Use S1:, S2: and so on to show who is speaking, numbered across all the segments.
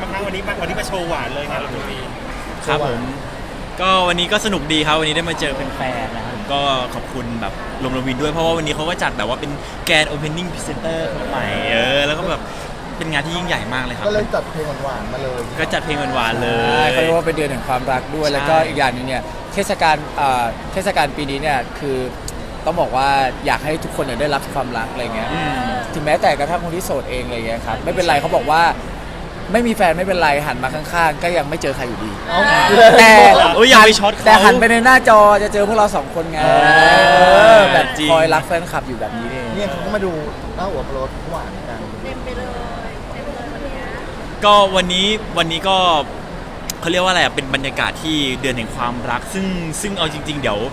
S1: บ้างครับวันนี้มาโชว์หวานเลยครับตรงนี้
S2: ครับผมก็วันนี้ก็สนุกดีครับวันนี้ได้มาเจอแฟนๆนะครับผมก็ขอบคุณแบบลมวินด้วยเพราะว่าวันนี้เขาก็จัดแบบว่าเป็นแกรนด์โอเพนนิ่งพรีเซนเตอร์คนใหม่แล้วก็แบบเป็นงานที่ยิ่งใหญ่มากเลยครับ
S3: ก็เลยจัดเพลงหวานๆมาเลย
S2: ก็จัดเพลงหวานๆเลย
S4: เขาเรียกว่าเป็นเดือนแห่งความรักด้วยแล้วก็อีกอย่างนึงเนี่ยเทศกาลปีนี้เนี่ยคือต้องบอกว่าอยากให้ทุกคนเนี่ยได้รับความรักอะไรเงี้ยถึงแม้แต่กระทั่งคนที่โสดเองอะไรเงี้ยครับไม่เป็นไรเขาบอกว่าไม่มีแฟนไม่เป็นไรหันมาข้างๆก็ยังไม่เจอใครอยู่ดีแต่
S2: อย่าไปช็อตเขา
S4: แต่หันไปในหน้าจอจะเจอพวกเราสองคนไงแบบคอยรักแฟนคลับอยู่แบบนี้
S3: เนี่ยเขาก็มาดูหน้าหัวโปรดหวานกัน
S5: เต็มไปเลยวันนี้
S2: ก็วันนี้ก็เขาเรียกว่าอะไรเป็นบรรยากาศที่เดือนแห่งความรักซึ่งเอาจริงๆเดี๋ยว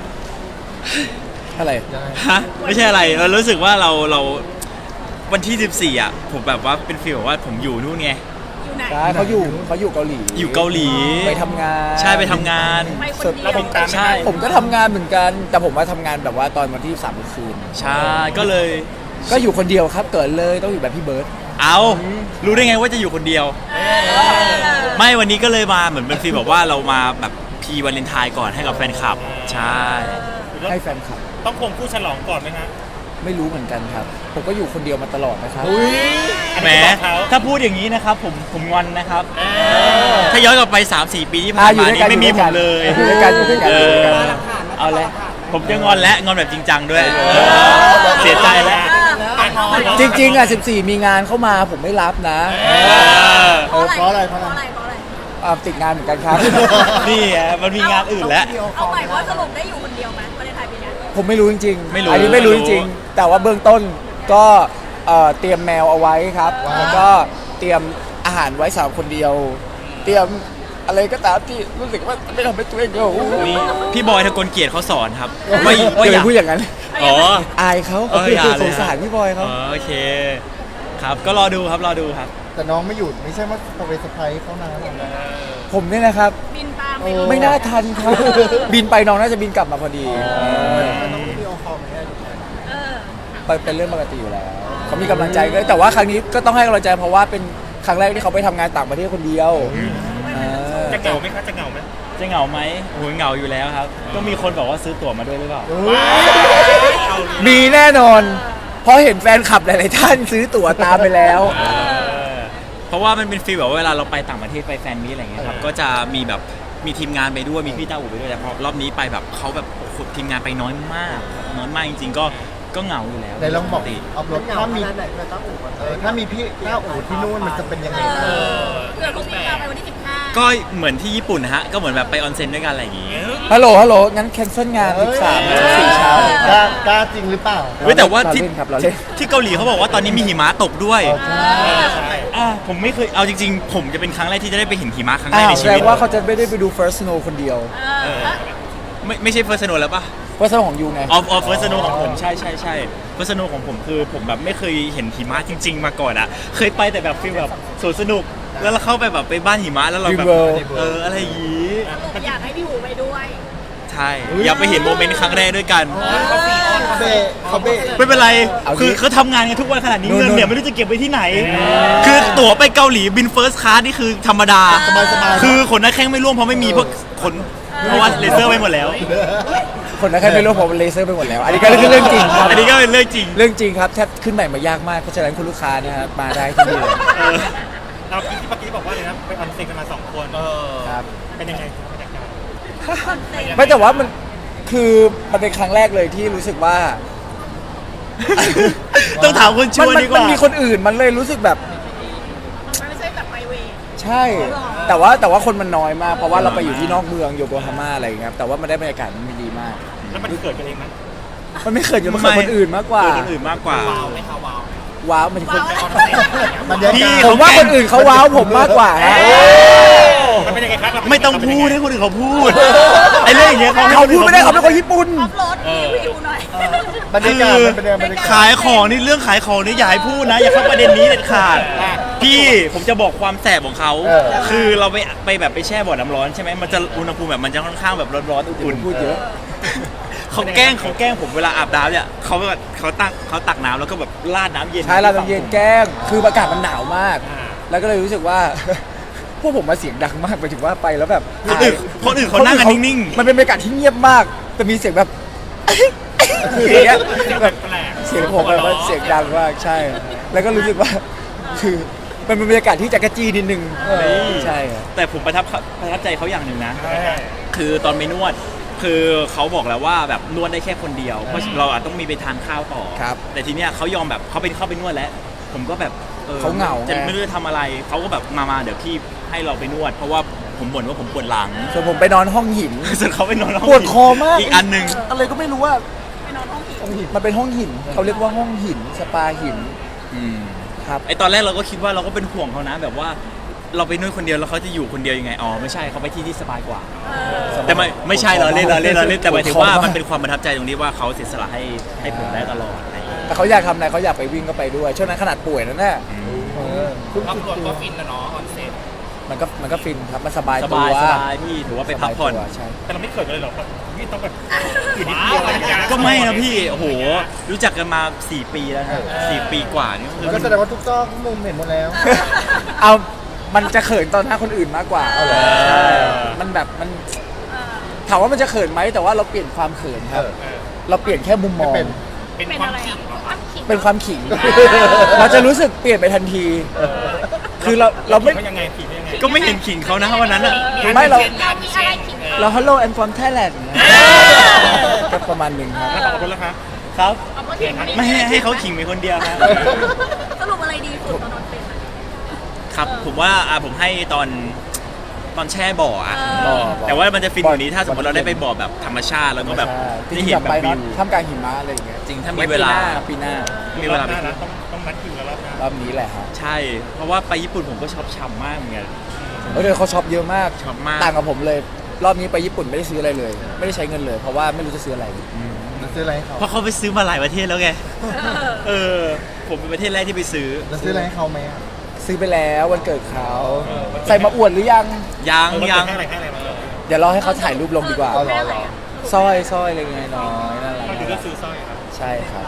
S4: อะไร
S2: ฮะไม่ใช่อะไรเรารู้สึกว่าเราวันที่14ผมแบบว่าเป็นฟีลแบบว่าผมอยู่นู่นไง
S5: อยู่ไหน
S4: เขาอยู่เกาหลี
S2: อยู่เกาหลี
S4: ไปทำงาน
S2: ใช่ไปทำงาน
S5: ไปคนเดียว
S2: ใช่
S4: ผมก็ทำงานเหมือนกันแต่ผมมาทำงานแบบว่าตอนวันที่3คืน
S2: ใช่ก็เลย
S4: ก็อยู่คนเดียวครับเกิดเลยต้องอยู่แบบพี่เบิร์ด
S2: เอารู้ได้ไงว่าจะอยู่คนเดียวไม่วันนี้ก็เลยมาเหมือนเป็นฟีลแบบว่าเรามาแบบพีวาเลนไทน์ก่อนให้กับแฟนคลับใช่
S4: ให้แฟนคลับ
S1: ต้องคงคู่ฉลองก่อนไหมฮะ
S4: ไม่รู้เหมือนกันครับผมก็อยู่คนเดียวมาตลอดนะครับ
S2: แหมถ้าพูดอย่างนี้นะครับผมงอนนะครับถ้าย้อนกลับไป 3-4 ปีที่ผ่านมานี้ไม่มีผมเลย
S4: อยู่ด้วยกัน
S2: เอาเลยผมจะงอนและงอนแบบจริงจังด้วยเสียใจแล้ว
S4: จริงๆ14มีงานเข้ามาผมไม่รับนะ
S3: เพราะอะไร
S4: ติดงานเหมือนกันครับ
S2: นี่มันมีงานอื่นแล้ว
S5: เอาใหม่ว่าสรุปได้อยู่คนเดียวไหมวันในไทยปีนี้
S4: ผมไม่รู้จริงๆอันนี้ไม่รู้จริงๆแต่ว่าเบื้องต้นก็เตรียมแมวเอาไว้ครับแล้วก็เตรียมอาหารไว้สำหรับคนเดียวเตรียมอะไรก็ตามที่รู้สึกว่าไม่ทำให้ตัวเอง
S2: นี่พี่บอยทกลเกียรติเขาสอนครับ
S4: ว่าอย่าพูดอย่างนั้นอายเขาสงสารพี่บอยเขา
S2: โอเคครับก็รอดูครับ
S3: แต่น้องไม่หยุดไม่ใช่ว่าจะไปเซอร์ไพรส์เขานะ
S4: ผมเนี่ยนะครับ
S5: บินตาม
S4: ไม่น่าทันครับบินไปน้องน่าจะบินกลับมาพอดี
S3: น้องวิดีโอคอลไม่ได้
S4: เป็นเรื่องปกติอยู่แล้วเขามีกำลังใจแต่ว่าครั้งนี้ก็ต้องให้กำลังใจเพราะว่าเป็นครั้งแรกที่เขาไปทำงานต่างประเทศคนเดียว
S1: จะเหงาไหมครับจะเหงาไหม
S2: โอ้ยเหงาอยู่แล้วครับก็มีคนบอกว่าซื้อตั๋วมาด้วยหรือเปล่า
S4: มีแน่นอนเพราะเห็นแฟนคลับหลายๆท่านซื้อตั๋วตามไปแล้ว
S2: เพราะว่ามันเป็นฟีลแบบเวลาเราไปต่างประเทศไปแฟนมีอะไรเงี้ยครับก็จะมีแบบมีทีมงานไปด้วยมีพี่ต้าอู่ไปด้วยแต่พอรอบนี้ไปแบบเขาแบบทีมงานไปน้อยมากจริงๆก็เหงาอยู่แล้ว
S3: แต่ลองบอกเอารถถ้ามีพี่ต้าอู่ที่นู่นมันจะเป็นยังไง
S5: เกิดพวกพี่มาไปวันที่15
S2: ก็เหมือนที่ญี่ปุ่นนะฮะก็เหมือนแบบไปออนเซ็นด้วยกันอะไรอย่างงี้
S4: ฮัลโหลงั้นแคนเซิลงาน13 4เช้
S3: ากล้าจริงหรือเปล่า
S2: แต่ว่าที่เกาหลีเขาบอกว่าตอนนี้มีหิมะตกด้วยผมไม่เคยเอาจริงๆผมจะเป็นครั้งแรกที่จะได้ไปเห็นหิมะครั้งแรกในชีวิต
S4: แสดงว่าเขาจะไม่ได้ไปดู First Snow คนเดียว
S2: ไม่ใช่ First Snow แล้วป่ะ
S4: First Snow ของยูไง
S2: First Snow ของผมใช่ First Snow ของผมคือผมแบบไม่เคยเห็นหิมะจริงๆมาก่อนเคยไปแต่แบบฟีลแบบสวนสนุกแล้วเราเข้าไปแบบไปบ้านหิมะแล้วเราแบบอะไรอย่างงี้
S5: อยากให้พี่หูไปด้วย
S2: ใช่อยากไปเห็นโมเมนต์ครั้งแรกด้วยกัน
S3: เขา
S2: ไม่เป็นไรคือเขาทำงานกันทุกวันขนาดนี้เงินเนี่ยไม่รู้จะเก็บไว้ที่ไหนคือตั๋วไปเกาหลีบินเฟิร์สคลาสนี่คือธรรมดาคือขนหน้าแข้งไม่ร่วงเพราะไม่มีพวกขนเพราะว่าเลเซอร์ไปหมดแล้ว
S4: คนนั้นแค่ไม่รู้ผมเลเซอร์ไปหมดแล้วอันนี้ก็เป็นเรื่องจริงครับ
S2: อันนี้ก็เป็นเรื่องจ
S4: ริงครับแทบขึ้นใหม่มายากมากเพราะฉะนั้นคุณลูกค้านะครับมาได้ที่นี่เลย
S1: เราเมื่อกี้บอกว่าเลยนะไปออนเซ็นกันมา2คน
S4: ครับ
S1: เป็นยังไง
S4: ไม่แต่ว่ามันคือมันเป็นครั้งแรกเลยที่รู้สึกว่า
S2: ต้องถามคนชวนดีกว่า
S4: มันมีคนอื่นมันเลยรู้สึกแบบ
S5: ไม่ใช่แบบไปเว
S4: ใช่แต่ว่าคนมันน้อยมากเพราะว่าเราไปอยู่ที่นอกเมืองโยโกฮาม่าอะไรอย่างเงี้ยแต่ว่ามันได้บรรยากาศมันดีมาก
S1: แล้วมันเกิดกันเองไหม
S4: มันไม่เกิดมันเกิดคนอื่นมากกว่าว้าวมันคนผมว่าคนอื่นเขาว้าวผมมากกว่า
S2: ไม่ต้องพูดให้คนอื่นเขาพูดไอ้เรื่องอย่างเงี้ย
S4: เขาพูดไม่ได้เขาเป็นคนญี่ปุ่น
S5: รถรีวิวหน่อย
S3: บรรยากาศเป็นยังไง
S2: ขายของนี่เรื่องขายของนี่อย่าให้พูดนะอย่าเข้าประเด็นนี้เด็ดขาดพี่ผมจะบอกความแสบของเขาคือเราไปแบบไปแช่บ่อน้ำร้อนใช่ไหมมันจะอุณหภูมิแบบมันจะค่อนข้างแบบร้อนๆอุ่น
S4: ๆพูดเยอะ
S2: เขาแกล้งผมเวลาอาบน้ำเนี่ยเขาตักน้ำแล้วก็แบบราดน้ำเย็น
S4: ใช่ราดน้ำเย็นแกล้งคืออากาศมันหนาวมากแล้วก็เลยรู้สึกว่า พวกผมมาเสียงดังมากไปถึงว่าไปแล้วแบบ
S2: คนอื่นเขานั่งกันนิ่งๆ
S4: มันเป็นบรรยากาศที่เงียบมากแต่มีเสียงแบบ อย่างเงี้ยแบบเสียงผมแบบว่าเสียงดังมากใช่ แล้วก็รู้สึกว่า คือมันเป็นบรรยากาศที่จักรจี้นิดนึงใช่ครับ
S2: แต่ผมประทับใจเขาอย่างหนึ่งนะ คือตอนไปนวด คือเขาบอกแล้วว่าแบบนวดได้แค่คนเดียว เพราะเราอาจต้องมีไปทานข้าวต่อ
S4: ครับ
S2: แต่ทีเนี้ยเขายอมแบบเขาเข้าไปนวดแล้ว ผมก็แบบ
S4: เขาเหงา
S2: จะ
S4: ไง
S2: ไม่รู้จะทำอะไร เขาก็แบบมาเดี๋ยวพี่ให้เราไปนวด เพราะว่าผมบ่นว่าผมปวดหลัง
S4: ส่วนผมไปนอนห้องหิน
S2: ส่วนเขาไปนอนห้ง
S4: ปวดคอมาก
S2: อีกอันหนึ่ง
S4: อะไรก็ไม่รู้ว่า
S5: ไปนอนห้องผี
S4: มันเป็นห้องหินเขาเรียกว่าห้องหินสปาหินครับ
S2: ไอตอนแรกเราก็คิดว่าเราก็เป็นห่วงเขานะ แบบว่าเราไปนวดคนเดียวแล้วเขาจะอยู่คนเดียวยังไง อ๋อไม่ใช่เขาไปที่สบายกว่า แต่ไม่ใช่เราเล่นแต่หมายถึงว่ามันเป็นความประทับใจตรงนี้ว่าเขาเสียสละให้ผมได้ตลอดอะไรอย่างเงี้ย
S4: แต่เขาอยากทำอะไรเขาอยากไปวิ่งก็ไปด้วยช่วงนั้นขนาดป่วยนั่นแหละ
S6: ครอบครัวก็ฟินนะเนาะออนเซ็ต
S4: มันก็ฟินครับมันสบาย
S2: ส
S4: ตัว
S2: บายพี่ถือว่าไปพักผ่อน
S4: สบายตัวใช่
S1: แต่เราไม่เขินกันเลยหรอกพี่ต้องแบบอยู่นิดเดียวอะไรอย่างเงี้ย
S2: ก็ไม่นะพี่โอ้โหรู้จักกันมา4 ปีแล้วนะ4 ปีกว่านี่คือ
S3: ก็แสดงว่าทุกซอกทุกมุมเห็นหมดแล้ว
S4: เอามันจะเขินตอนหน้าคนอื่นมากกว่า
S3: เอาเหรอ
S4: ใช่มันแบบมันถามว่ามันจะเขินไหมแต่ว่าเราเปลี่ยนความเขินครับ เราเปลี่ยนแค่มุมมอง
S3: เป็น
S6: เป็น
S5: เป็น
S6: ความ
S5: อะไร
S6: ขิง
S5: ความขิง
S4: เป็นความขิง เราจะรู้สึกเปลี่ยนไปทันที คือเราไม่
S1: เขายังไงผิดยังไง
S2: ก็ไม่เห็นขิงเขานะวันนั้นอะ
S4: ไม่เรา
S5: เรามีอะไรขิง
S4: เรา Hello and from Thailand ก็ประมาณหนึ่งครับ
S1: ขอบคุณแล้วครับ
S2: ครับ
S5: เอาก็ขิง
S2: ไม่ให้เขาขิงเป็นคนเดียวครับ
S5: สรุปอะไรดีสุดตอนนอนเป็นอะ
S2: ครับผมว่าผมให้ตอนแช่บ่ออะ
S5: เออ
S2: แต่ว่ามันจะฟินกว่านี้ถ้าสมมติเราได้ไปบ่อแบบธรรมชาติแล้วก็แบบ
S4: ที่
S2: ได้
S4: อ
S2: เห็น
S4: ยาก
S2: แบ
S4: ไป
S2: บวิ
S4: เนาะ
S2: ว
S4: ท่ามกลางหิมะอะไรอย่างเงี้ย
S2: จริงถ้ามีเวลา
S4: ปีหน้า
S2: มีเวลา
S1: ห
S2: ไป
S1: น้านะต้องนัดคิวแล้วรอบหน้าร
S4: อบนี้แหละครับ
S2: ใช่ เพราะว่าไปญี่ปุ่นผมก็ชอบฉ่ำมากเหมือนกัน
S4: เดี๋ยวเขาช็อปเยอะมาก
S2: ช็อปมาก
S4: ต่างกับผมเลย รอบนี้ไปญี่ปุ่นไม่ได้ซื้ออะไรเลย ไม่ได้ใช้เงินเลย เพราะว่าไม่รู้จะซื้ออะไร
S3: แล้วซื้ออะไรให้เขา
S2: เพราะเขาไปซื้อมาหลายประเทศแล้วไงเออผมเป็นประเทศแรกที่ไปซื้อ
S3: แล้วซื้ออะไรให้เขาไหมอะ
S4: ซื้อไปแล้ววันเกิดเขาใส่มาอวดหรือยัง
S2: ยัง
S1: ยังให้อะไรมาเลย
S4: เดี๋ยวรอให้เขาถ่ายรูปลงดีกว่า
S3: เอาเหรอ
S4: สร้อยอะไรเงี้ยน้อยน่ารัก
S1: ก็คือเลือกซื้อสร้อยครับ
S4: ใช่ครับ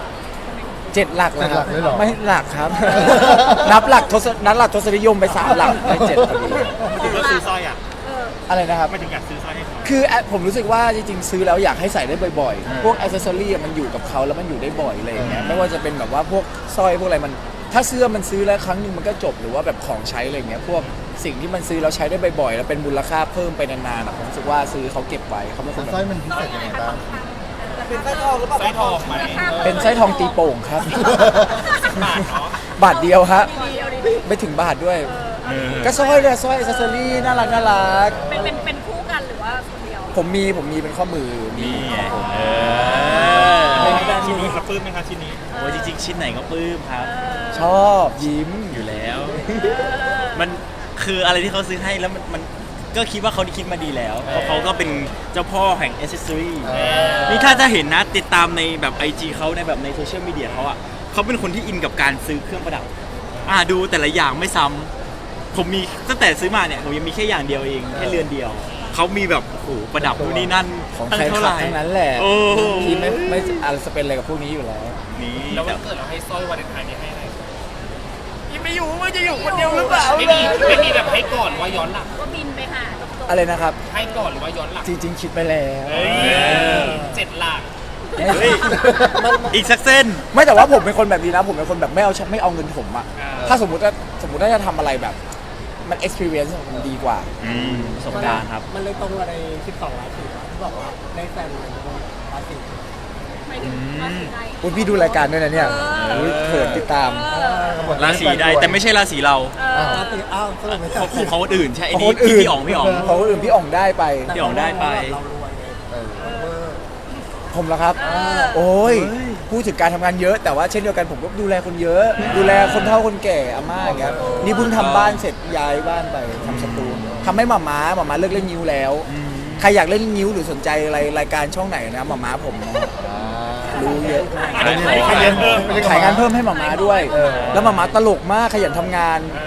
S4: 7 หลักเลยครับ
S3: 7 หลักเลยเหรอ
S4: ไม่หลักครับ นับหลักทศนิยมไป3 หลักได้7พอดี
S1: ไม่ถึงเลือกซื้อสร้อยอ่ะ
S4: อะไรนะครับ
S1: ไม่ถึงอยากซื้อสร้อยให้เขา
S4: คือผมรู้สึกว่าจริงๆซื้อแล้วอยากให้ใส่ได้บ่อยๆ พวกอ c เซสซอรี่มันอยู่กับเขาแล้วมันอยู่ได้บ่อยอะไรอย่างเงี้ยไม่ว่าจะเป็นแบบว่าพวกสร้อยพวกอะไรมัน ถ้าเสื้อมันซื้อแล้วครั้งหนึงมันก็จบหรือว่าแบบของใช้อะไรเงี้ยพวกสิ่งที่มันซื้อแล้วใช้ได้บ่อยๆ แล้วเป็นมูลค่าเพิ่มไปนานๆอะผมรู้สึกว่าซื้อเขาเก็บไว้เขาเป็นคน
S3: ส
S4: แบ
S3: ร้อย
S4: บ
S3: มันพิเศษยังไงบ้าง
S6: ไส้ทองไหม
S4: เป็นสร้อยทองตีโป่งครับ
S6: บาทเนาะ
S4: บาทเดียวฮะ
S5: ดีเอาดี
S4: ไม่ถึงบาทด้วย
S2: เออ
S4: ก็สร้อยเนี่ยสร้อยอ c เซสซอรี่น่ารัก
S5: เป็นคู่กันหรือว่าคนเดียว
S4: ผมมีเป็นข้อมือมี
S2: นี่ไง
S4: ของผม
S2: เออ
S1: ชิ้นนี้ครับปลื้มไหมครับชิ้นนี้
S2: โอ้ยจริงๆชิ้นไหนก็ปลื้มครับ
S4: ชอบยิ้ม
S2: อยู่แล้ว มันคืออะไรที่เขาซื้อให้แล้วมันก็คิดว่าเขาคิดมาดีแล้วเพราะเขาก็เป็นเจ้าพ่อแห่งอ c เซสซอรี่นี่ถ้าจะเห็นนะติดตามในแบบ IG เขาในแบบในโซเชียลมีเดียเขาอ่ะเขาเป็นคนที่อินกับการซื้อเครื่องประดับดูแต่ละอย่างไม่ซ้ำผมมีตั้งแต่ซื้อมาเนี่ยผมยังมีแค่อย่างเดียวเองแค่เรือนเดียวเขามีแบบโอ้โหประดับนู่นนี่นั่น
S4: ของ
S2: ตั้
S4: ใคร
S2: เท่า
S4: ขั
S2: ไห
S4: บ
S2: ร่
S4: ทั้งนั้นแหละ
S2: โอ้โห
S4: ที่ไม่อะไรจะเป็นอะไรกับพวกนี้อยู่แล้ว
S2: นี่
S6: แล้ววันเกิดเราให้สร้อยวาเลนไทน์นี้ให้อะไร
S2: ไม่อยู่มันจะอยู่คนเดียวหรือเปล่า
S6: ไม่มีแบบให้ก่อนหรือว่าย้อนหลัง
S5: ก็บินไปหาจบ
S4: อะไรนะครับ
S6: ให้ก่อนหรือว่าย้อนหลัง
S4: จริงๆคิดไปแล้ว
S6: เฮ้ย7 หลัก
S2: เฮ้ยอีกสักเส้น
S4: ไม่แต่ว่าผมเป็นคนแบบนี้นะผมเป็นคนแบบไม่เอาเงินผมอะถ้าสมมติว่าจะทำอะไรแบบมัน experience มันดีกว่า
S2: ประสบการณ์ครับ
S7: มันเลยตรงกับใน12 ราศีที่บอกว่าได้แฟนใหม่ทุกคนราศี
S5: ไม่ถึงราศีใด
S4: อุ๊ยพี่ดูรายการด้วยนะเนี่ยอุ๊ยเขินติดตาม
S2: ราศีใดแต่ไม่ใช่ราศีเรา
S7: ราศีอ้าวสรุปไม่
S2: ข
S7: ใช่
S2: องของคนอื่นใช่ไอ้
S4: ของ
S2: นี่
S4: คนอื่น
S2: พี่อ๋องพี่อ๋อง
S4: ของคนอื่นพี่อ๋องได้ไป
S2: พี่อ๋องได้ไป
S7: เรารวยไง
S4: ผมเหรอครับ โอ้ยพูดถึงการทำงานเยอะ แต่ว่าเช่นเดียวกันผมก็ดูแลคนเยอะ ดูแลคนเฒ่าคนแก่อาม่าอย่างเงี้ยนี่เพิ่งทำบ้านเสร็จย้ายบ้านไปทำสตูทำให้หม่าเลิกเล่นนิ้วแล้ว ใครอยากเล่นนิ้วหรือสนใจอะไรรายการช่องไหนนะหม่าผมนะรู้เยอะมาก
S2: ขายของ
S4: ขายงานเพิ่มให้หม่าด้วย แล้วหม่าตลกมากขยันทำงาน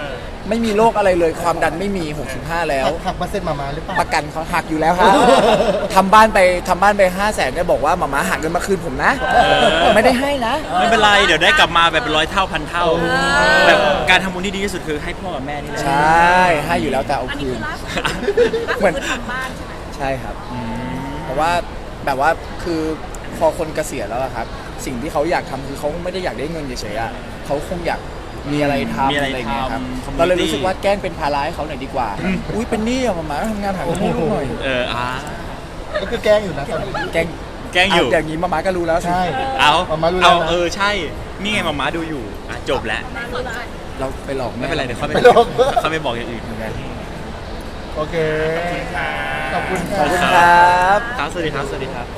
S4: ไม่มีโรคอะไรเลยความดันไม่มี65แล้ว
S3: หักเปอร์เซ็นต์มาหรือเปล่า
S4: ประกันเขาหักอยู่แล้วครับทำบ้านไป500,000เนี่ยบอกว่าหมาหักเงินมาคืนผมนะ ไม่ได้ให้นะ
S2: ไม่เป็นไรเดี๋ยวได้กลับมาแบบเป็นร้อยเท่าพันเท่า แบบการทำบุญที่ดีที่สุดคือให้พ่อกับแม่นี่แหละ
S4: ใช่ให้อยู่แล้วแต่เอา
S5: อันนี้
S4: คื
S5: คื
S4: น
S5: อล่าสุด
S4: เหมือน
S5: คือทำบ้านใช่ไหม
S4: ใช่ครับเพราะว่าแบบว่าคือพอคนเกษียณแล้วอะครับ สิ่งที่เขาอยากทำคือเขาไม่ได้อยากได้เงินเฉยๆอะเขาคงอยากมีอะไรทำ
S2: มีอะไร
S4: อะไรอย่างเงี้ยครับ
S2: ทำ
S4: เราเลยรู้สึกว่าแกล้งเป็นภาระให้เขาหน่อยดีกว่า อุ้ยเป็นหนี้อะหมาทำงานหาเงินให้ลูกหน่อย
S3: ก็คือแกล้งอยู่นะตอนนี้
S4: แกล้ง
S2: แกล้งอยู่
S4: เอย่างนี้หมาก็รู้แล้วสิ
S3: ใช่
S2: เอา
S3: มารู้แล้วนะ
S2: ใช่นี่ไงมาดูอยู่จบแล้ว
S4: เราไปหลอกแ
S2: ไม่เป็นไรเดี๋ยวเขา
S3: ไม่หรอก
S2: เขาไปบอกอย่างอื่น
S3: โอเค ขอบคุณ
S4: ขอบคุณ
S3: ค่ะ
S4: ครับ
S2: ครับสวัสดีครับ